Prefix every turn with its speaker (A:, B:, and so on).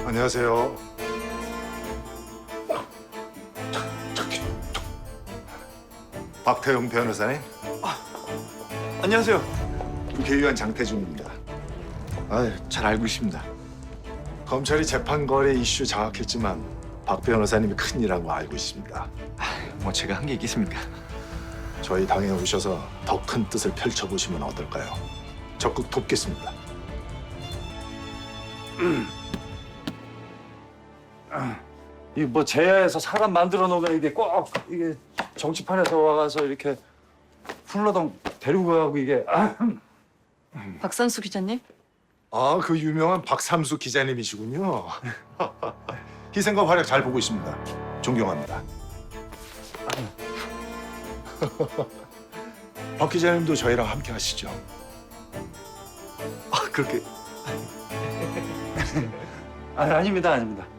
A: 안녕하세요. 박태용 변호사님,
B: 안녕하세요.
A: 국회의원 장태중입니다. 잘 알고 있습니다. 검찰이 재판 거래 이슈 장악했지만 박 변호사님이 큰일이라고 알고 있습니다.
B: 뭐 제가 한 게 있겠습니까?
A: 저희 당에 오셔서 더 큰 뜻을 펼쳐보시면 어떨까요? 적극 돕겠습니다.
C: 이게 뭐 제야에서 사람 만들어 놓으면 이게 꼭 이게 정치판에서 와가서 이렇게 훌러덩 데리고 가고 이게
D: 박선수 기자님?
A: 아, 그 유명한 박삼수 기자님이시군요. 희생과 활약 잘 보고 있습니다. 존경합니다. 박 기자님도 저희랑 함께 하시죠.
B: 그렇게
C: 아닙니다.